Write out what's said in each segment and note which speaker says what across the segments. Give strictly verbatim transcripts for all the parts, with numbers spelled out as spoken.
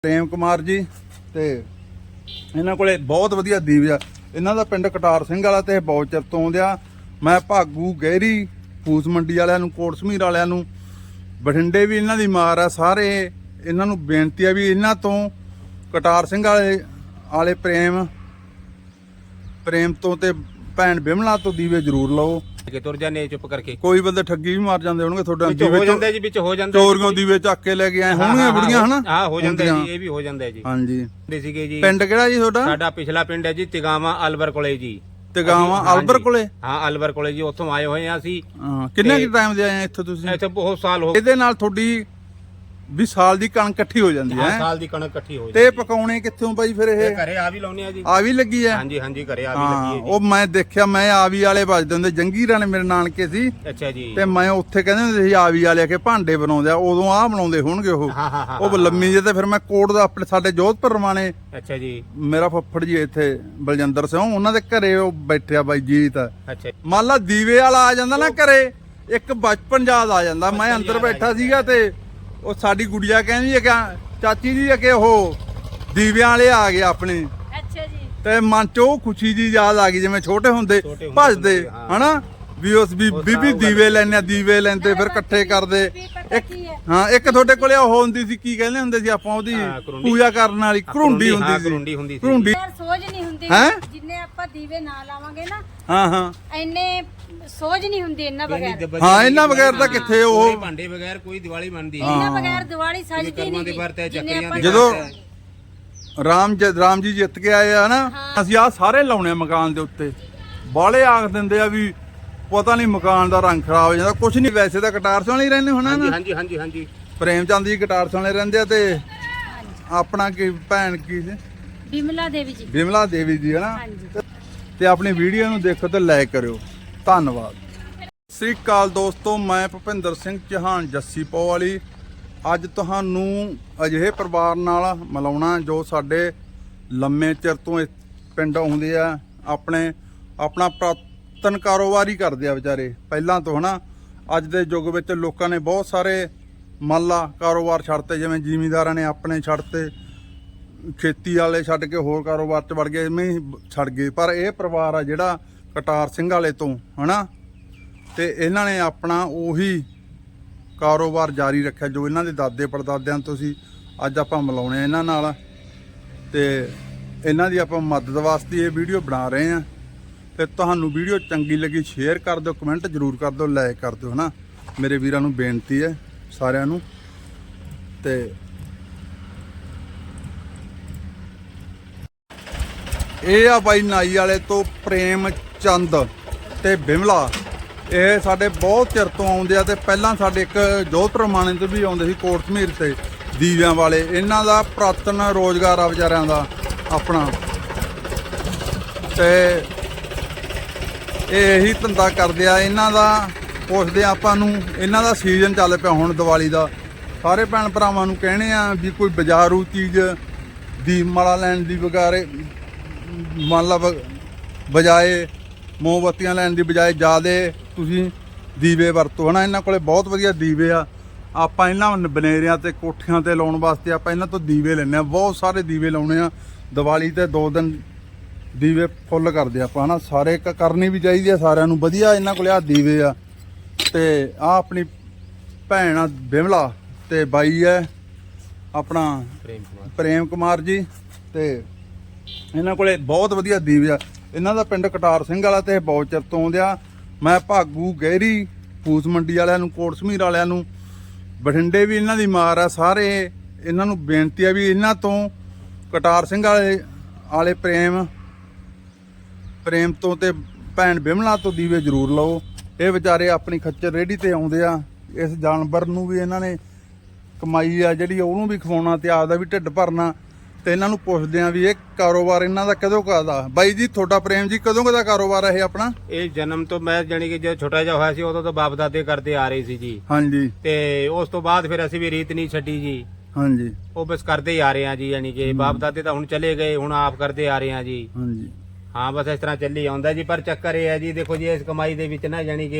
Speaker 1: प्रेम कुमार जी ते इन्हां कोले बहुत वधिया दीप आ। इन्हां दा पिंड कटार सिंह वाला ते बहुत चिर तो आउंदे आ। मैं भागू गहरी फूस मंडी वालियां नूं कोट समीर वालियां नूं बठिंडे भी इन्हां दी मार आ। सारे इन्हां नूं बेनती आ भी इन्हां तों कटार सिंह वाले वाले प्रेम प्रेम तो ते भैन बिमला तो दीवे जरूर लो
Speaker 2: के तुर जाने चुप करके।
Speaker 1: कोई बंदे ठगी भी मार जांदे होणगे ਤੁਹਾਡਾ
Speaker 2: दीवे हो जांदा जी विच हो जांदा
Speaker 1: चोरियों दीवे ਚੱਕ ਕੇ ਲੈ ਕੇ ਆਏ ਹੋਣਗੀਆਂ ਬੜੀਆਂ ਹਨਾ।
Speaker 2: हां हो जांदा जी ये भी हो जांदा जी।
Speaker 1: हां जी
Speaker 2: ਦੇ ਸੀਗੇ ਜੀ।
Speaker 1: ਪਿੰਡ ਕਿਹੜਾ ਜੀ ਤੁਹਾਡਾ?
Speaker 2: ਸਾਡਾ ਪਿਛਲਾ ਪਿੰਡ ਹੈ ਜੀ ਤਿਗਾਵਾ ਅਲਵਰ ਕੋਲੇ ਜੀ।
Speaker 1: ਤਿਗਾਵਾ ਅਲਵਰ ਕੋਲੇ?
Speaker 2: ਹਾਂ ਅਲਵਰ ਕੋਲੇ ਜੀ। ਉੱਥੋਂ ਆਏ ਹੋਏ ਆ ਅਸੀਂ।
Speaker 1: ਹਾਂ ਕਿੰਨੇ ਕਿ ਟਾਈਮ ਦੇ ਆਏ ਆ ਇੱਥੇ ਤੁਸੀਂ?
Speaker 2: ਇੱਥੇ ਬਹੁਤ ਸਾਲ ਹੋ ਗਏ।
Speaker 1: ਇਹਦੇ ਨਾਲ ਤੁਹਾਡੀ ਵੀ ਸਾਲ ਦੀ ਕਣਕ ਇਕੱਠੀ ਹੋ ਜਾਂਦੀ ਹੈ।
Speaker 2: ਸਾਲ ਦੀ ਕਣਕ ਇਕੱਠੀ ਹੋ ਜਾਂਦੀ
Speaker 1: ਤੇ ਪਕਾਉਣੇ ਕਿੱਥੋਂ ਬਾਈ ਫਿਰ ਇਹ?
Speaker 2: ਘਰੇ ਆ ਵੀ ਲਾਉਣੇ ਆ ਜੀ।
Speaker 1: ਆ ਵੀ ਲੱਗੀ ਹੈ?
Speaker 2: ਹਾਂਜੀ ਹਾਂਜੀ ਘਰੇ ਆ ਵੀ ਲੱਗੀ ਹੈ ਜੀ।
Speaker 1: ਉਹ ਮੈਂ ਦੇਖਿਆ ਮੈਂ ਆਵੀ ਵਾਲੇ ਵੱਜਦੇ ਹੁੰਦੇ ਜੰਗੀਰਾਂ ਨੇ ਮੇਰੇ ਨਾਨਕੇ ਸੀ।
Speaker 2: ਅੱਛਾ ਜੀ।
Speaker 1: ਤੇ ਮੈਂ ਉੱਥੇ ਕਹਿੰਦੇ ਹੁੰਦੇ ਸੀ ਆਵੀ ਵਾਲੇ ਕੇ ਭਾਂਡੇ ਬਣਾਉਂਦੇ ਆ। ਉਦੋਂ ਆਹ ਬਣਾਉਂਦੇ ਹੋਣਗੇ ਉਹ।
Speaker 2: ਹਾਂ ਹਾਂ ਹਾਂ
Speaker 1: ਉਹ ਲੰਮੀ ਜੇ ਤੇ ਫਿਰ ਮੈਂ ਕੋਟ ਦਾ ਆਪਣੇ ਸਾਡੇ ਜੋਧਪੁਰ ਰਵਾਣੇ।
Speaker 2: ਅੱਛਾ ਜੀ।
Speaker 1: ਮੇਰਾ ਫੱਫੜ ਜੀ ਇੱਥੇ ਬਲਜਿੰਦਰ ਸਿੰਘ ਉਹਨਾਂ ਦੇ ਘਰੇ ਉਹ ਬੈਠਿਆ ਬਾਈ ਜੀਤ।
Speaker 2: ਅੱਛਾ
Speaker 1: ਮੰਨ ਲਾ ਦੀਵੇ ਵਾਲਾ ਆ ਜਾਂਦਾ ਨਾ ਘਰੇ, ਇੱਕ ਬਚਪਨ ਯਾਦ ਆ ਜਾਂਦਾ। ਮੈਂ ਅੰਦਰ ਬੈਠਾ ਸੀਗਾ ਤੇ ਉਹ ਸਾਡੀ ਗੁੜੀਆ ਕਹਿੰਦੀ ਹੈ ਕਿ ਚਾਚੀ ਜੀ ਕਿ ਉਹ ਦੀਵਿਆਂ ਵਾਲੇ ਆ ਗਏ ਆਪਣੇ।
Speaker 3: ਅੱਛਾ ਜੀ।
Speaker 1: ਤੇ ਮਨ ਚ ਉਹ ਖੁਸ਼ੀ ਜੀ ਯਾਦ ਆ ਗਈ ਜਿਵੇਂ ਛੋਟੇ ਹੁੰਦੇ ਭੱਜਦੇ ਹਨਾ ਵੀ ਉਸ ਵੀ ਬੀਬੀ ਦੀਵੇ ਲੈਣੇ ਦੀਵੇ ਲੈਂਦੇ ਫਿਰ ਇਕੱਠੇ ਕਰਦੇ। ਇੱਕ ਹਾਂ ਇੱਕ ਤੁਹਾਡੇ ਕੋਲੇ ਉਹ ਹੁੰਦੀ ਸੀ ਕੀ ਕਹਿੰਦੇ ਹੁੰਦੇ ਸੀ ਆਪਾਂ ਉਹਦੀ ਪੂਜਾ ਕਰਨ ਵਾਲੀ ਘਰੁੰਡੀ ਹੁੰਦੀ ਸੀ।
Speaker 2: ਘਰੁੰਡੀ ਹੁੰਦੀ ਸੀ।
Speaker 1: ਘਰੁੰਡੀ
Speaker 3: ਸੋਝ ਨਹੀਂ ਹੁੰਦੀ
Speaker 1: ਹੈਂ?
Speaker 3: ਜਿੰਨੇ ਆਪਾਂ ਦੀਵੇ ਨਾ ਲਾਵਾਂਗੇ ਨਾ
Speaker 1: ਹਾਂ ਹਾਂ
Speaker 3: ਐਨੇ ਸੋਝ ਨਹੀਂ ਹੁੰਦੀ ਇਹਨਾਂ ਬਗੈਰ।
Speaker 1: ਹਾਂ ਇਹਨਾਂ ਬਗੈਰ ਤਾਂ ਕਿੱਥੇ ਉਹ
Speaker 2: ਭਾਂਡੇ ਬਗੈਰ ਕੋਈ ਦੀਵਾਲੀ ਬਣਦੀ
Speaker 3: ਇਹਨਾਂ ਬਗੈਰ ਦੀਵਾਲੀ ਸਜਦੀ ਨਹੀਂ।
Speaker 1: ਜਦੋਂ ਰਾਮ ਜ ਰਾਮ ਜੀ ਜਿੱਤ ਕੇ ਆਏ ਆ ਨਾ ਅਸੀਂ ਆਹ ਸਾਰੇ ਲਾਉਣੇ ਮਕਾਨ ਦੇ ਉੱਤੇ। ਬਾਲੇ ਆਖ ਦਿੰਦੇ ਆ ਵੀ ਪਤਾ ਨਹੀਂ ਮਕਾਨ ਦਾ ਰੰਗ ਖਰਾਬ ਹੋ ਜਾਂਦਾ। ਕੁਛ ਨਹੀਂ ਵੈਸੇ ਤਾਂ ਕਟਾਰ ਸਿੰਘ ਵਾਲੇ ਰਹਿੰਦੇ ਹੋਣਾ ਨਾ।
Speaker 2: ਹਾਂਜੀ ਹਾਂਜੀ ਹਾਂਜੀ
Speaker 1: ਪ੍ਰੇਮ ਚੰਦ ਜੀ ਕਟਾਰ ਸਿੰਘ ਵਾਲੇ ਰਹਿੰਦੇ ਆ। ਤੇ ਆਪਣਾ ਕੀ ਭੈਣ ਕੀ ਸੀ?
Speaker 3: ਬਿਮਲਾ ਦੇਵੀ ਜੀ।
Speaker 1: ਬਿਮਲਾ ਦੇਵੀ ਜੀ ਹਨਾ। ਤੇ ਆਪਣੀ ਵੀਡੀਓ ਨੂੰ ਦੇਖੋ ਤੇ ਲਾਈਕ ਕਰਿਓ। ਧੰਨਵਾਦ। ਸਤਿ ਸ੍ਰੀ ਅਕਾਲ ਦੋਸਤੋ, ਮੈਂ ਭੁਪਿੰਦਰ ਸਿੰਘ ਚੌਹਾਨ ਜੱਸੀ ਪੋ ਵਾਲੀ ਅੱਜ ਤੁਹਾਨੂੰ ਅਜਿਹੇ ਪਰਿਵਾਰ ਨਾਲ ਮਿਲਾਉਣਾ ਜੋ ਸਾਡੇ ਲੰਮੇ ਚਿਰ ਤੋਂ ਇਸ ਪਿੰਡ ਆਉਂਦੇ ਆ। ਆਪਣੇ ਆਪਣਾ ਪੁਰਾਤਨ ਕਾਰੋਬਾਰ ਹੀ ਕਰਦੇ ਆ ਵਿਚਾਰੇ ਪਹਿਲਾਂ ਤੋਂ ਹਨਾ। ਅੱਜ ਦੇ ਯੁੱਗ ਵਿੱਚ ਲੋਕਾਂ ਨੇ ਬਹੁਤ ਸਾਰੇ ਮੰਨ ਲਾ ਕਾਰੋਬਾਰ ਛੱਡਤੇ, ਜਿਵੇਂ ਜ਼ਿਮੀਂਦਾਰਾਂ ਨੇ ਆਪਣੇ ਛੱਡਤੇ, ਖੇਤੀ ਵਾਲੇ ਛੱਡ ਕੇ ਹੋਰ ਕਾਰੋਬਾਰ 'ਚ ਵੜ ਗਏ, ਐਵੇਂ ਹੀ ਛੱਡ ਗਏ। ਪਰ ਇਹ ਪਰਿਵਾਰ ਆ ਜਿਹੜਾ ਕਟਾਰ ਸਿੰਘ ਵਾਲੇ ਤੋਂ ਹਨਾ, ਤੇ ਇਹਨਾਂ ਨੇ ਆਪਣਾ ਉਹੀ ਕਾਰੋਬਾਰ ਜਾਰੀ ਰੱਖਿਆ ਜੋ ਇਹਨਾਂ ਦੇ ਦਾਦੇ ਪੜਦਾਦਿਆਂ ਤੋਂ ਸੀ। ਅੱਜ ਆਪਾਂ ਮਿਲਾਉਣੇ ਇਹਨਾਂ ਨਾਲ ਤੇ ਇਹਨਾਂ ਦੀ ਆਪਾਂ ਮਦਦ ਵਾਸਤੇ ਇਹ ਵੀਡੀਓ ਬਣਾ ਰਹੇ ਹਾਂ। ਤੇ ਤੁਹਾਨੂੰ ਵੀਡੀਓ ਚੰਗੀ ਲੱਗੀ ਸ਼ੇਅਰ ਕਰ ਦਿਓ, ਕਮੈਂਟ ਜ਼ਰੂਰ ਕਰ ਦਿਓ, ਲਾਈਕ ਕਰ ਦਿਓ ਹਨਾ। ਮੇਰੇ ਵੀਰਾਂ ਨੂੰ ਬੇਨਤੀ ਹੈ ਸਾਰਿਆਂ ਨੂੰ। ਤੇ ਇਹ ਆ ਬਾਈ ਨਾਈ ਵਾਲੇ ਤੋਂ ਪ੍ਰੇਮ ਚੰਦ ਤੇ ਬਿਮਲਾ। ਇਹ ਸਾਡੇ ਬਹੁਤ ਚਿਰ ਤੋਂ ਆਉਂਦੇ ਆ। ਤੇ ਪਹਿਲਾਂ ਸਾਡੇ ਇੱਕ ਜੋਧਪੁਰ ਮਾਣੇ ਤੋਂ ਵੀ ਆਉਂਦੇ ਸੀ ਕੋਟ ਸਮੀਰ ਤੇ ਦੀਵਿਆਂ ਵਾਲੇ। ਇਹਨਾਂ ਦਾ ਪੁਰਾਤਨ ਰੋਜ਼ਗਾਰ ਆ ਵਿਚਾਰਿਆਂ ਦਾ ਆਪਣਾ। ਤੇ ਇਹ ਇਹੀ ਧੰਦਾ ਕਰਦੇ ਆ। ਇਹਨਾਂ ਦਾ ਪੁੱਛਦੇ ਆਪਾਂ ਨੂੰ, ਇਹਨਾਂ ਦਾ ਸੀਜ਼ਨ ਚੱਲ ਪਿਆ ਹੁਣ ਦੀਵਾਲੀ ਦਾ। ਸਾਰੇ ਭੈਣ ਭਰਾਵਾਂ ਨੂੰ ਕਹਿਣੇ ਆ ਵੀ ਕੋਈ ਬਾਜ਼ਾਰੂ ਚੀਜ਼ ਦੀਪ ਮਾਲਾ ਲੈਣ ਦੀ ਬਗਾਰੇ ਮੰਨ ਲਾ ਬਜਾਏ ਮੋਮਬੱਤੀਆਂ ਲੈਣ ਦੀ ਬਜਾਏ ਜ਼ਿਆਦਾ ਤੁਸੀਂ ਦੀਵੇ ਵਰਤੋ ਹਨਾ। ਇਹਨਾਂ ਕੋਲੇ ਬਹੁਤ ਵਧੀਆ ਦੀਵੇ ਆ। ਆਪਾਂ ਇਹਨਾਂ ਬਨੇਰਿਆਂ ਤੇ ਕੋਠਿਆਂ ਤੇ ਲਾਉਣ ਵਾਸਤੇ ਆਪਾਂ ਇਹਨਾਂ ਤੋਂ ਦੀਵੇ ਲੈਂਦੇ ਆ। ਬਹੁਤ ਸਾਰੇ ਦੀਵੇ ਲਾਉਣੇ ਆ ਦੀਵਾਲੀ ਤੇ। ਦੋ ਦਿਨ ਦੀਵੇ ਫੁੱਲ ਕਰਦੇ ਆਪਾਂ ਹਨਾ। ਸਾਰੇ ਕਰਨੀ ਵੀ ਚਾਹੀਦੀ ਆ ਸਾਰਿਆਂ ਨੂੰ ਵਧੀਆ। ਇਹਨਾਂ ਕੋਲੇ ਆ ਦੀਵੇ ਆ। ਤੇ ਆ ਆਪਣੀ ਭੈਣ ਆ ਬਿਮਲਾ ਤੇ ਬਾਈ ਹੈ ਆਪਣਾ
Speaker 2: ਪ੍ਰੇਮ ਕੁਮਾਰ
Speaker 1: ਪ੍ਰੇਮ ਕੁਮਾਰ ਜੀ। ਤੇ ਇਹਨਾਂ ਕੋਲੇ ਬਹੁਤ ਵਧੀਆ ਦੀਵੇ ਆ। ਇਹਨਾਂ ਦਾ ਪਿੰਡ ਕਟਾਰ ਸਿੰਘ ਵਾਲਾ ਤੇ ਬਹੁਤ ਚਿਰ ਤੋਂ ਆਉਂਦੇ ਆ। ਮੈਂ ਭਾਗੂ ਗਹਿਰੀ ਫੂਸ ਮੰਡੀ ਵਾਲਿਆਂ ਨੂੰ ਕੋਟ ਸਮੀਰ ਵਾਲਿਆਂ ਨੂੰ ਬਠਿੰਡੇ ਵੀ ਇਹਨਾਂ ਦੀ ਮਾਰ ਆ। ਸਾਰੇ ਇਹਨਾਂ ਨੂੰ ਬੇਨਤੀ ਆ ਵੀ ਇਹਨਾਂ ਤੋਂ ਕਟਾਰ ਸਿੰਘ ਵਾਲੇ ਵਾਲੇ ਪ੍ਰੇਮ ਪ੍ਰੇਮ ਤੋਂ ਤੇ ਭੈਣ ਬਿਮਲਾ ਤੋਂ ਦੀਵੇ ਜ਼ਰੂਰ ਲਓ। ਇਹ ਵਿਚਾਰੇ ਆਪਣੀ ਖੱਚਰ ਰੇਹੜੀ ਤੇ ਆਉਂਦੇ ਆ। ਇਸ ਜਾਨਵਰ ਨੂੰ ਵੀ ਇਹਨਾਂ ਨੇ ਕਮਾਈ ਆ ਜਿਹੜੀ ਉਹਨੂੰ ਵੀ ਖਵਾਉਣਾ ਤੇ ਆਪਦਾ ਵੀ ਢਿੱਡ ਭਰਨਾ। ਤੇ ਇਹਨਾਂ ਨੂੰ ਪੁੱਛਦੇ ਆ ਵੀ ਇਹ ਕਾਰੋਬਾਰ ਇਹਨਾਂ ਦਾ ਕਦੋਂ ਕਦਾ? ਬਾਈ ਜੀ ਤੁਹਾਡਾ ਪ੍ਰੇਮ ਜੀ ਕਦੋਂ ਕਦਾ ਕਾਰੋਬਾਰ ਹੈ ਇਹ ਆਪਣਾ?
Speaker 2: ਇਹ ਜਨਮ ਤੋਂ ਮੈਂ ਜਾਨੀ ਕਿ ਜਦੋਂ ਛੋਟਾ ਜਿਹਾ ਹੋਇਆ ਸੀ ਉਦੋਂ ਤੋਂ ਬਾਪ ਦਾਦੇ ਕਰਦੇ ਆ ਰਹੇ ਸੀ ਜੀ।
Speaker 1: ਹਾਂਜੀ।
Speaker 2: ਤੇ ਉਸ ਤੋਂ ਬਾਅਦ ਫਿਰ ਅਸੀਂ ਵੀ ਰੀਤ ਨਹੀਂ ਛੱਡੀ ਜੀ।
Speaker 1: ਹਾਂਜੀ।
Speaker 2: ਉਹ ਬਸ ਕਰਦੇ ਹੀ ਆ ਰਹੇ ਆ ਜੀ। ਯਾਨੀ ਕਿ ਬਾਪ ਦਾਦੇ ਤਾਂ ਹੁਣ ਚਲੇ ਗਏ, ਹੁਣ ਆਪ ਕਰਦੇ ਆ ਰਹੇ ਆ ਜੀ।
Speaker 1: ਹਾਂਜੀ।
Speaker 2: ਹਾਂ ਬਸ ਇਸ ਤਰ੍ਹਾਂ ਚੱਲੀ ਆਉਂਦਾ ਜੀ। ਪਰ ਚੱਕਰ ਇਹ ਹੈ ਜੀ ਦੇਖੋ ਜੀ ਇਸ ਕਮਾਈ ਦੇ ਵਿੱਚ ਨਾ ਜਾਨੀ ਕਿ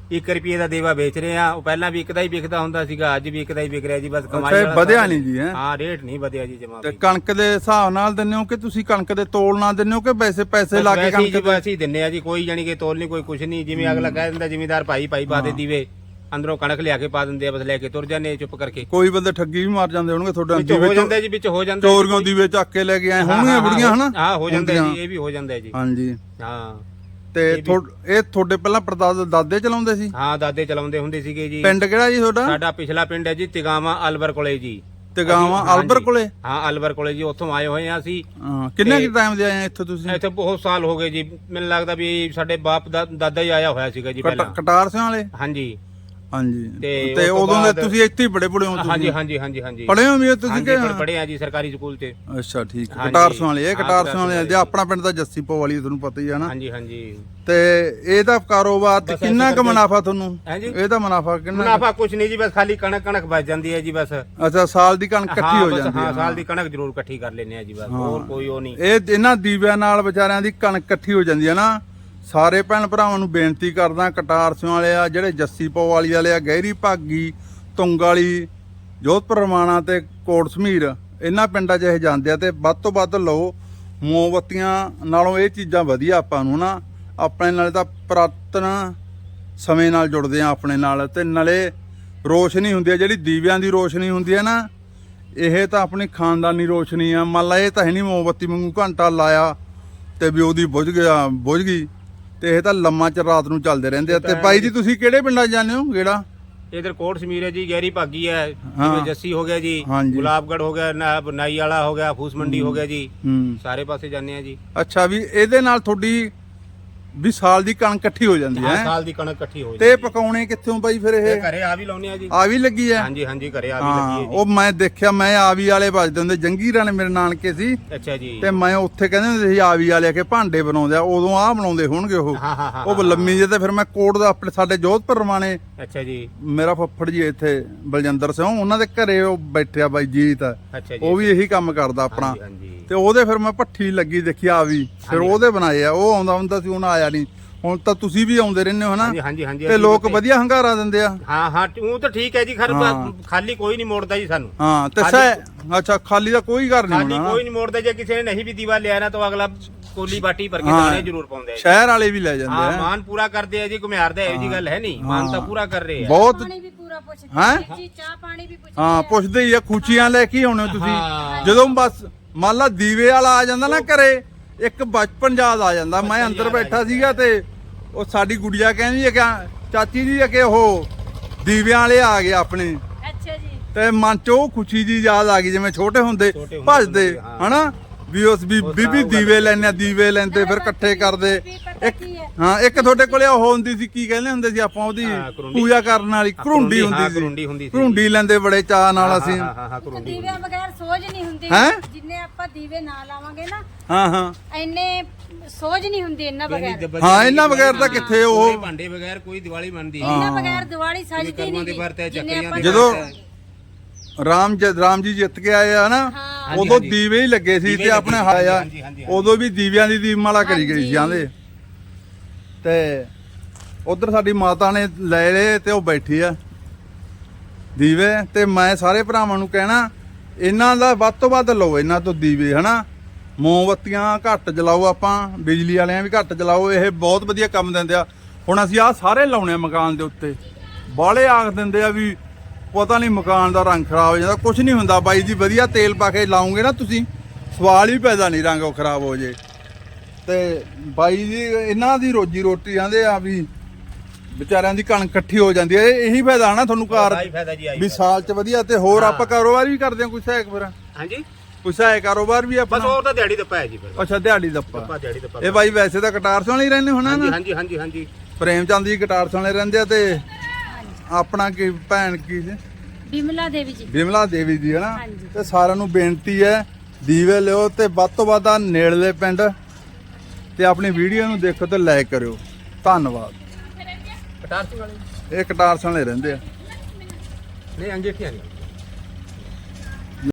Speaker 2: ਇੱਕ ਰੁਪਏ ਦਾ ਦੇਵਾ ਵੇਚ ਰਹੇ ਆ। ਉਹ ਪਹਿਲਾਂ ਵੀ ਇੱਕਦਾ ਹੀ ਵਿਕਦਾ ਹੁੰਦਾ ਸੀਗਾ, ਅੱਜ ਵੀ ਇੱਕਦਾ ਹੀ ਵਿਕ ਰਿਹਾ ਜੀ। ਬਸ ਕਮਾਈ
Speaker 1: ਅੱਛਾ, ਇਹ
Speaker 2: ਵਾਲਾ
Speaker 1: ਵਧਿਆ
Speaker 2: ਸਾਧਨ
Speaker 1: ਨਹੀਂ ਜੀ, ਹੈਂ?
Speaker 2: ਹਾਂ, ਰੇਟ ਨਹੀਂ ਵਧਿਆ ਜੀ ਜਮਾ
Speaker 1: ਤੇ ਕਣਕ ਦੇ ਹਿਸਾਬ ਨਾਲ ਦਿੰਦੇ ਹੋ ਕਿ ਤੁਸੀਂ ਕਣਕ ਦੇ ਤੋਲ ਨਾਲ ਦਿੰਦੇ ਹੋ ਕਿ ਵੈਸੇ ਪੈਸੇ ਲਾ ਕੇ ਕਣਕ ਦੇ?
Speaker 2: ਵੈਸੇ ਹੀ ਦਿੰਨੇ ਆ ਜੀ, ਕੋਈ ਜਾਨੀ ਕਿ ਤੋਲ ਨਹੀਂ, ਕੋਈ ਕੁਛ ਨਹੀਂ। ਜਿਵੇਂ ਅਗਲਾ ਕਹਿ ਦਿੰਦਾ ਜ਼ਿਮੀਦਾਰ ਭਾਈ ਭਾਈ ਪਾ ਦੇ ਦੀਵੇ, ਅੰਦਰੋਂ ਕਣਕ ਲਿਆ ਕੇ ਪਾ ਦਿੰਦੇ ਆ, ਬਸ ਲੈ ਕੇ ਤੁਰ ਜਾਂਦੇ ਆ ਚੁੱਪ ਕਰਕੇ।
Speaker 1: ਕੋਈ ਬੰਦੇ ਠੱਗੀ ਵੀ ਮਾਰ ਜਾਂਦੇ ਹੋਣਗੇ ਤੁਹਾਡਾ,
Speaker 2: ਵਿੱਚ ਹੋ ਜਾਂਦਾ ਜੀ, ਵਿੱਚ ਹੋ ਜਾਂਦਾ
Speaker 1: ਚੋਰੀਆਂ ਦੀਵੇ ਚੱਕ ਕੇ ਲੈ ਕੇ ਆਏ ਹੋਣਗੀਆਂ ਬੁੜੀਆਂ, ਹਨਾ?
Speaker 2: ਹਾਂ, ਹੋ ਜਾਂਦਾ ਜੀ, ਇਹ ਵੀ ਹੋ ਜਾਂਦਾ ਜੀ।
Speaker 1: ਹਾਂਜੀ,
Speaker 2: ਹਾਂ।
Speaker 1: ਤੇ ਇਹ ਤੁਹਾਡੇ ਪਹਿਲਾਂ ਪਰਦਾਦਾ ਦਾਦੇ ਚਲਾਉਂਦੇ ਸੀ?
Speaker 2: ਹਾਂ, ਦਾਦੇ ਚਲਾਉਂਦੇ ਹੁੰਦੇ ਸੀਗੇ ਜੀ।
Speaker 1: ਪਿੰਡ ਕਿਹੜਾ ਜੀ ਤੁਹਾਡਾ?
Speaker 2: ਸਾਡਾ ਪਿਛਲਾ ਪਿੰਡ ਹੈ ਜੀ ਤਿਗਾਵਾ ਅਲਵਰ ਕੋਲੇ ਜੀ।
Speaker 1: ਤਿਗਾਵਾ ਅਲਵਰ ਕੋਲੇ?
Speaker 2: ਹਾਂ, ਅਲਵਰ ਕੋਲੇ ਜੀ, ਉੱਥੋਂ ਆਏ ਹੋਏ ਆ ਅਸੀਂ।
Speaker 1: ਹਾਂ, ਕਿੰਨੇ ਕਿ ਟਾਈਮ ਦੇ ਆਏ ਆ ਇੱਥੇ ਤੁਸੀਂ?
Speaker 2: ਇੱਥੇ ਬਹੁਤ ਸਾਲ ਹੋ ਗਏ ਜੀ, ਮੈਨੂੰ ਲੱਗਦਾ ਵੀ ਸਾਡੇ ਬਾਪ ਦਾ ਦਾਦਾ ਹੀ ਆਇਆ ਹੋਇਆ ਸੀਗਾ ਜੀ ਪਹਿਲਾਂ।
Speaker 1: ਕਟਾਰ ਸਿੰਘ ਵਾਲੇ?
Speaker 2: ਹਾਂਜੀ
Speaker 1: ਹਾਂਜੀ।
Speaker 2: ਤੇ
Speaker 1: ਤੇ ਉਦੋਂ ਦੇ ਤੁਸੀਂ ਇੱਥੇ ਹੀ ਪੜੇ ਪੜੇ ਹੋ ਤੁਸੀਂ?
Speaker 2: ਹਾਂਜੀ ਹਾਂਜੀ ਹਾਂਜੀ ਹਾਂਜੀ।
Speaker 1: ਪੜੇ ਹੋ ਵੀ ਤੁਸੀਂ ਕਿ?
Speaker 2: ਪੜੇ ਆ ਜੀ ਸਰਕਾਰੀ ਸਕੂਲ 'ਚ।
Speaker 1: ਅੱਛਾ, ਠੀਕ ਹੈ। ਕਟਾਰ ਸਿੰਘ ਵਾਲੇ, ਇਹ ਕਟਾਰ ਸਿੰਘ ਵਾਲੇ ਦੇ ਆਪਣਾ ਪਿੰਡ ਤਾਂ ਜੱਸੀ ਪੋ ਵਾਲੀ, ਤੁਹਾਨੂੰ ਪਤਾ ਹੀ ਹੈ ਨਾ?
Speaker 2: ਹਾਂਜੀ ਹਾਂਜੀ।
Speaker 1: ਤੇ ਇਹਦਾ ਕਾਰੋਬਾਰ ਤੇ ਕਿੰਨਾ ਕੁ ਮੁਨਾਫਾ ਤੁਹਾਨੂੰ?
Speaker 2: ਹਾਂਜੀ,
Speaker 1: ਇਹਦਾ ਮੁਨਾਫਾ ਕਿੰਨਾ?
Speaker 2: ਮੁਨਾਫਾ ਕੁਛ ਨਹੀਂ ਜੀ, ਬਸ ਖਾਲੀ ਕਣਕ ਕਣਕ ਬਚ ਜਾਂਦੀ ਹੈ ਜੀ ਬਸ।
Speaker 1: ਅੱਛਾ, ਸਾਲ ਦੀ ਕਣਕ ਇਕੱਠੀ ਹੋ ਜਾਂਦੀ ਹੈ?
Speaker 2: ਹਾਂ, ਸਾਲ ਦੀ ਕਣਕ ਜ਼ਰੂਰ ਇਕੱਠੀ ਕਰ ਲੈਨੇ ਆ ਜੀ, ਬਸ ਹੋਰ ਕੋਈ ਉਹ ਨਹੀਂ।
Speaker 1: ਇਹ ਇਹਨਾਂ ਦੀਵਿਆਂ ਨਾਲ ਵਿਚਾਰਿਆਂ ਦੀ ਕਣਕ ਇਕੱਠੀ ਹੋ ਜਾਂਦੀ ਹੈ ਨਾ। ਸਾਰੇ ਭੈਣ ਭਰਾਵਾਂ ਨੂੰ ਬੇਨਤੀ ਕਰਦਾ, ਕਟਾਰ ਸਿੰਘ ਵਾਲੇ ਆ, ਜਿਹੜੇ ਜੱਸੀ ਪੋ ਵਾਲੀ ਵਾਲੇ ਆ, ਗਹਿਰੀ ਭਾਗੀ, ਤੁੰਗ ਵਾਲੀ, ਜੋਧਪੁਰ ਰਮਾਣਾ ਤੇ ਕੋਟ ਸਮੀਰ, ਇਹਨਾਂ ਪਿੰਡਾਂ 'ਚ ਇਹ ਜਾਂਦੇ ਆ। ਤੇ ਵੱਧ ਤੋਂ ਵੱਧ ਲਓ, ਮੋਮਬੱਤੀਆਂ ਨਾਲੋਂ ਇਹ ਚੀਜ਼ਾਂ ਵਧੀਆ ਆਪਾਂ ਨੂੰ ਨਾ। ਆਪਣੇ ਨਾਲੇ ਤਾਂ ਪੁਰਾਤਨ ਸਮੇਂ ਨਾਲ ਜੁੜਦੇ ਆ ਆਪਣੇ ਨਾਲ, ਤੇ ਨਾਲੇ ਰੋਸ਼ਨੀ ਹੁੰਦੀ ਹੈ ਜਿਹੜੀ ਦੀਵਿਆਂ ਦੀ ਰੋਸ਼ਨੀ ਹੁੰਦੀ ਹੈ ਨਾ, ਇਹ ਤਾਂ ਆਪਣੀ ਖਾਨਦਾਨੀ ਰੋਸ਼ਨੀ ਆ। ਮੰਨ ਲਾ ਇਹ ਤਾਂ ਹੈ ਨਹੀਂ ਮੋਮਬੱਤੀ ਵਾਂਗੂ ਘੰਟਾ ਲਾਇਆ ਤੇ ਵੀ ਉਹਦੀ ਬੁਝ ਗਿਆ ਬੁਝ ਗਈ, ਤੇ ਇਹ ਤਾਂ ਲੰਮਾ ਚ ਰਾਤ ਨੂੰ ਚੱਲਦੇ ਰਹਿੰਦੇ ਆ। ਤੇ ਬਾਈ ਜੀ ਤੁਸੀਂ ਕਿਹੜੇ ਪਿੰਡਾਂ ਜਾਂਦੇ ਹੋ? ਕਿਹੜਾ?
Speaker 2: ਇਧਰ ਕੋਟ ਸਮੀਰ ਹੈ ਜੀ, ਗਹਿਰੀ ਭਾਗੀ ਹੈ,
Speaker 1: ਹਾਂ।
Speaker 2: ਜਿਵੇਂ ਜੱਸੀ ਹੋ ਗਿਆ ਜੀ,
Speaker 1: ਹਾਂਜੀ।
Speaker 2: ਗੁਲਾਬਗੜ ਹੋ ਗਿਆ, ਨਾ- ਨਾਈ ਵਾਲਾ ਹੋ ਗਿਆ, ਫੂਸ ਮੰਡੀ ਹੋ ਗਿਆ ਜੀ,
Speaker 1: ਹੂੰ।
Speaker 2: ਸਾਰੇ ਪਾਸੇ ਜਾਂਦੇ ਆ ਜੀ।
Speaker 1: ਅੱਛਾ, ਵੀ ਇਹਦੇ ਨਾਲ ਤੁਹਾਡੀ ਵੀ ਸਾਲ ਦੀ ਕਣਕ ਇਕੱਠੀ ਹੋ ਜਾਂਦੀ
Speaker 2: ਹਾਂ,
Speaker 1: ਹੈ?
Speaker 2: ਸਾਲ ਦੀ ਕਣਕ ਇਕੱਠੀ ਹੋ
Speaker 1: ਤੇ
Speaker 2: ਜਾਂਦੀ ਹੈ।
Speaker 1: ਪਕਾਉਣੇ ਕਿੱਥੋਂ ਬਾਈ ਫਿਰ
Speaker 2: ਇਹ
Speaker 1: ਇਹ?
Speaker 2: ਘਰੇ ਆ ਵੀ ਲਾਉਨੇ ਆ ਜੀ।
Speaker 1: ਆ ਵੀ ਲੱਗੀ ਹੈ?
Speaker 2: ਹਾਂਜੀ ਹਾਂਜੀ, ਘਰੇ ਆ ਵੀ
Speaker 1: ਹਾਂ,
Speaker 2: ਲੱਗੀ ਹੈ ਜੀ।
Speaker 1: ਉਹ ਮੈਂ ਦੇਖਿਆ, ਮੈਂ ਆਵੀ ਵਾਲੇ ਵੱਜਦੇ ਹੁੰਦੇ, ਜੰਗੀਰਾਂ ਨੇ ਮੇਰੇ ਨਾਨਕੇ ਸੀ,
Speaker 2: ਅੱਛਾ ਜੀ।
Speaker 1: ਤੇ ਮੈਂ ਉੱਥੇ ਕਹਿੰਦੇ ਹੁੰਦੇ ਸੀ ਆਵੀ ਵਾਲੇ ਕੇ ਭਾਂਡੇ ਬਣਾਉਂਦੇ ਆ, ਉਦੋਂ ਆਹ ਬਣਾਉਂਦੇ ਹੋਣਗੇ ਉਹ।
Speaker 2: ਹਾਂ ਹਾਂ ਹਾਂ,
Speaker 1: ਉਹ ਲੰਮੀ ਜੇ। ਤੇ ਫਿਰ ਮੈਂ ਕੋਟ ਦਾ ਆਪਣੇ ਸਾਡੇ ਜੋਧਪੁਰ ਰਮਾਣੇ,
Speaker 2: ਅੱਛਾ ਜੀ।
Speaker 1: ਮੇਰਾ ਫੱਫੜ ਜੀ ਇੱਥੇ ਬਲਜਿੰਦਰ ਸਿੰਘ, ਉਹਨਾਂ ਦੇ ਘਰੇ ਉਹ ਬੈਠਿਆ ਬਾਈ ਜੀਤ,
Speaker 2: ਅੱਛਾ ਜੀ।
Speaker 1: ਉਹ ਵੀ ਇਹੀ ਕੰਮ ਕਰਦਾ ਆਪਣਾ।
Speaker 2: ਹਾਂਜੀ, ਹਾਂਜੀ।
Speaker 1: ਤੇ ਉਹਦੇ ਫਿਰ ਮੈਂ ਭੱਠੀ ਲੱਗੀ ਦੇਖੀ ਆ ਵੀ, ਫਿਰ ਉਹਦੇ ਬਣਾਏ ਆ। ਉਹ ਆਉਂਦਾ ਹੁੰਦਾ ਸੀ, ਹੁਣ ਆਇਆ ਨਹੀਂ। ਹੁਣ ਤਾਂ ਤੁਸੀਂ ਵੀ ਆਉਂਦੇ ਰਹਿੰਦੇ ਹੋ ਹਨਾ?
Speaker 2: ਹਾਂਜੀ ਹਾਂਜੀ ਹਾਂਜੀ।
Speaker 1: ਤੇ ਲੋਕ ਵਧੀਆ ਹੰਗਾਰਾ ਦਿੰਦੇ ਆ?
Speaker 2: ਹਾਂ ਹਾਂ, ਉਹ ਤਾਂ ਠੀਕ ਹੈ ਜੀ, ਖਰ
Speaker 1: ਹਾਂ।
Speaker 2: ਖਾਲੀ ਕੋਈ ਨਹੀਂ ਮੋੜਦਾ ਜੀ ਸਾਨੂੰ।
Speaker 1: ਹਾਂ, ਤੇ ਸਹਿ ਅੱਛਾ, ਖਾਲੀ ਦਾ ਕੋਈ ਘਰ ਨਹੀਂ
Speaker 2: ਖਾਲੀ
Speaker 1: ਹੋਣਾ?
Speaker 2: ਕੋਈ ਨਹੀਂ ਮੋੜਦਾ। ਜੇ ਕਿਸੇ ਨੇ ਨਹੀਂ ਵੀ ਦੀਵਾ ਲਿਆ ਨਾ, ਤਾਂ ਅਗਲਾ ਕੋਲੀ ਬਾਟੀ ਭਰ ਕੇ
Speaker 1: ਹਾਂ।
Speaker 2: ਦਾਣੇ ਜ਼ਰੂਰ ਪਾਉਂਦੇ ਆ ਜੀ।
Speaker 1: ਸ਼ਹਿਰ ਵਾਲੇ ਵੀ ਲੈ ਜਾਂਦੇ
Speaker 2: ਹਾਂ,
Speaker 1: ਆ?
Speaker 2: ਮਾਨ ਪੂਰਾ ਕਰਦੇ ਆ ਜੀ, ਘੁਮਿਆਰ ਦਾ ਇਹੋ ਜੀ ਗੱਲ ਹੈ ਨਹੀਂ, ਮਾਨ ਤਾਂ ਪੂਰਾ ਕਰ ਰਹੇ ਆ।
Speaker 1: ਬਹੁਤ।
Speaker 3: ਪਾਣੀ ਵੀ ਪੂਰਾ ਪੁੱਛਦੇ
Speaker 1: ਹੈਂ?
Speaker 3: ਆ ਜੀ, ਚਾਹ ਪਾਣੀ ਵੀ ਪੁੱਛਦੇ
Speaker 1: ਹਾਂ,
Speaker 3: ਆ।
Speaker 1: ਪੁੱਛਦੇ ਹੀ ਆ। ਖੂਚੀਆਂ ਲੈ ਕੇ ਆਉਣੇ ਹੋ ਤੁਸੀਂ?
Speaker 2: ਹਾਂ।
Speaker 1: ਜਦੋਂ ਬਸ ਮੰਨ ਲਾ ਦੀਵੇ ਵਾਲਾ ਆ ਜਾਂਦਾ ਨਾ ਘਰੇ, ਇੱਕ ਬਚਪਨ ਯਾਦ ਆ ਜਾਂਦਾ। ਮੈਂ ਅੰਦਰ ਬੈਠਾ ਸੀਗਾ ਤੇ ਉਹ ਸਾਡੀ ਗੁੜੀਆ ਕਹਿੰਦੀ ਹੈ ਕਿ ਚਾਚੀ ਜੀ ਕਿ ਉਹ ਦੀਵਿਆਂ ਵਾਲੇ ਆ ਗਏ ਆਪਣੇ,
Speaker 3: ਅੱਛਾ ਜੀ।
Speaker 1: ਤੇ ਮਨ ਚ ਉਹ ਖੁਸ਼ੀ ਜੀ ਯਾਦ ਆ ਗਈ, ਜਿਵੇਂ ਛੋਟੇ ਹੁੰਦੇ
Speaker 2: ਛੋਟੇ ਹੁੰਦੇ
Speaker 1: ਭੱਜਦੇ
Speaker 2: ਹਾਂ।
Speaker 1: ਹਨਾ, ਵੀ ਉਸ ਵੀ ਬੀਬੀ ਦੀਵੇ ਲੈਣੇ, ਦੀਵੇ ਲੈਂਦੇ ਫਿਰ ਇਕੱਠੇ ਕਰਦੇ।
Speaker 3: ਵੀ ਪਤਾ
Speaker 1: ਇੱਕ
Speaker 3: ਕੀ ਹੈ,
Speaker 1: ਹਾਂ, ਇੱਕ ਤੁਹਾਡੇ ਕੋਲੇ ਉਹ ਹੁੰਦੀ ਸੀ, ਕੀ ਕਹਿੰਦੇ ਹੁੰਦੇ ਸੀ ਆਪਾਂ ਉਹਦੀ
Speaker 2: ਹਾਂ, ਕਰੂੰਡੀ।
Speaker 1: ਪੂਜਾ ਕਰਨ ਵਾਲੀ, ਘਰੁੰਡੀ
Speaker 2: ਹਾਂ,
Speaker 1: ਹੁੰਦੀ
Speaker 2: ਕਰੂੰਡੀ ਹੁੰਦੀ
Speaker 1: ਸੀ।
Speaker 2: ਸੀ।
Speaker 1: ਘਰੁੰਡੀ ਲੈਂਦੇ ਬੜੇ ਚਾਅ ਨਾਲ ਅਸੀਂ।
Speaker 2: ਹਾਂ ਹਾਂ ਹਾਂ, ਕਰੂੰਡੀ।
Speaker 3: ਦੀਵਿਆਂ ਬਗੈਰ ਸੋਝ ਨਹੀਂ ਹੁੰਦੀ।
Speaker 1: ਹੈਂ?
Speaker 3: ਜਿੰਨੇ ਆਪਾਂ ਦੀਵੇ ਨਾ ਲਾਵਾਂਗੇ ਨਾ,
Speaker 1: ਹਾਂ ਹਾਂ
Speaker 3: ਇੰਨੇ ਸੋਝ ਨਹੀਂ ਹੁੰਦੀ ਇਹਨਾਂ ਬਗੈਰ।
Speaker 1: ਹਾਂ, ਇਹਨਾਂ ਬਗੈਰ ਤਾਂ ਕਿੱਥੇ ਉਹ
Speaker 2: ਭਾਂਡੇ ਬਗੈਰ ਕੋਈ ਦੀਵਾਲੀ ਮੰਨਦੀ
Speaker 3: ਇਹਨਾਂ ਬਗੈਰ ਦੀਵਾਲੀ ਸਜਦੀ ਨਹੀਂ ਗੀ। ਜਿੰਨੇ ਆਪਾਂ
Speaker 1: ਜਦੋਂ ਰਾਮ ਜ ਰਾਮ ਜੀ ਜਿੱਤ ਕੇ ਆਏ ਆ ਨਾ,
Speaker 3: ਹਾਂ।
Speaker 1: ਉਦੋਂ ਦੀਵੇ ਹੀ ਲੱਗੇ ਸੀ ਤੇ ਆਪਣੇ ਹਾਇਆ,
Speaker 2: ਹਾਂਜੀ, ਹਾਂਜੀ,
Speaker 1: ਉਦੋਂ ਵੀ ਦੀਵਿਆਂ ਦੀ ਦੀਪਮਾਲਾ ਕਰੀ ਗਈ ਸੀ ਜਾਂਦੇ। ਤੇ ਉਧਰ ਸਾਡੀ ਮਾਤਾ ਨੇ ਲੈ ਲਏ ਤੇ ਉਹ ਬੈਠੀ ਆ ਦੀਵੇ। ਤੇ ਮੈਂ ਸਾਰੇ ਭਰਾਵਾਂ ਨੂੰ ਕਹਿਣਾ, ਇਹਨਾਂ ਦਾ ਵੱਧ ਤੋਂ ਵੱਧ ਲਓ, ਇਹਨਾਂ ਤੋਂ ਦੀਵੇ ਹਨਾ। ਮੋਮਬੱਤੀਆਂ ਘੱਟ ਜਲਾਓ, ਆਪਾਂ ਬਿਜਲੀ ਵਾਲਿਆਂ ਵੀ ਘੱਟ ਜਲਾਓ, ਇਹ ਬਹੁਤ ਵਧੀਆ ਕੰਮ ਦਿੰਦੇ ਆ। ਹੁਣ ਅਸੀਂ ਆਹ ਸਾਰੇ ਲਾਉਣੇ ਆ ਮਕਾਨ ਦੇ ਉੱਤੇ, ਬਾਹਲੇ ਆਖ ਦਿੰਦੇ ਆ ਵੀ ਪਤਾ ਨਹੀਂ ਮਕਾਨ ਦਾ ਰੰਗ ਖਰਾਬ ਹੋ ਜਾਂਦਾ। ਕੁਝ ਨਹੀਂ ਹੁੰਦਾ ਬਾਈ ਜੀ, ਵਧੀਆ ਤੇਲ ਪਾ ਕੇ ਲਾਉਂਗੇ ਨਾ ਤੁਸੀਂ, ਸਵਾਲ ਹੀ ਪੈਦਾ ਨਹੀਂ ਰੰਗ ਉਹ ਖਰਾਬ ਹੋ ਜੇ। ਤੇ ਬਾਈ ਜੀ ਇਹਨਾਂ ਦੀ ਰੋਜੀ ਰੋਟੀ ਆਂਦੇ ਆ ਵੀ ਵਿਚਾਰਿਆਂ ਦੀ ਕਣਕ ਇਕੱਠੀ ਹੋ ਜਾਂਦੀ ਹੈ। ਇਹੀ ਫਾਇਦਾ ਨਾ ਤੁਹਾਨੂੰ ਕਾਰ
Speaker 2: ਆਹੀ ਫਾਇਦਾ ਜੀ, ਆਹੀ
Speaker 1: ਵੀ ਸਾਲ ਚ ਵਧੀਆ। ਤੇ ਹੋਰ ਆਪਾਂ ਕਾਰੋਬਾਰ ਵੀ ਕਰਦੇ ਹਾਂ ਕੋਈ ਸਹਾਇਕ ਫਿਰ?
Speaker 2: ਹਾਂਜੀ,
Speaker 1: ਕੋਈ ਸਹਾਇਕ ਕਾਰੋਬਾਰ ਵੀ
Speaker 2: ਬਸ
Speaker 1: ਆਪਣਾ?
Speaker 2: ਹੋਰ ਤਾਂ ਦਿਹਾੜੀ ਦੱਪਾ ਹੈ ਜੀ ਫਿਰ।
Speaker 1: ਅੱਛਾ, ਦਿਹਾੜੀ ਦੱਪਾ।
Speaker 2: ਦੱਪਾ ਦਿਹਾੜੀ ਦੱਪਾ।
Speaker 1: ਇਹ ਬਾਈ ਵੈਸੇ ਤਾਂ ਕਟਾਰ ਸਿੰਘ ਹੀ ਰਹਿੰਦੇ ਹੋਣਾ
Speaker 2: ਹਾਂਜੀ
Speaker 1: ਨਾ?
Speaker 2: ਹਾਂਜੀ ਹਾਂਜੀ ਹਾਂਜੀ।
Speaker 1: ਪ੍ਰੇਮ ਚੰਦ ਜੀ ਕਟਾਰ ਸਿੰਘ ਰਹਿੰਦੇ ਆ। ਤੇ ਆਪਣਾ ਕੀ ਭੈਣ ਕੀ ਸੀ?
Speaker 3: ਬਿਮਲਾ ਦੇਵੀ ਜੀ।
Speaker 1: ਬਿਮਲਾ ਦੇਵੀ ਜੀ ਹਨਾ।
Speaker 3: ਹਾਂਜੀ।
Speaker 1: ਤੇ ਸਾਰਿਆਂ ਨੂੰ ਬੇਨਤੀ ਹੈ, ਦੀਵੇ ਲਿਓ ਤੇ ਵੱਧ ਤੋਂ ਵੱਧ ਆ ਨੇੜਲੇ ਪਿੰਡ ਤੇ ਆਪਣੀ ਵੀਡੀਓ ਨੂੰ ਦੇਖੋ ਤੇ ਲਾਈਕ ਕਰਿਓ। ਧੰਨਵਾਦ।
Speaker 2: ਕਟਾਰ ਸਿੰਘ ਵਾਲੇ
Speaker 1: ਇਹ ਕਟਾਰ ਸਿੰਘ ਵਾਲੇ ਰਹਿੰਦੇ ਆ।
Speaker 2: ਨਹੀਂ, ਅੰਗੇਠੀਆਂ ਨਹੀਂ।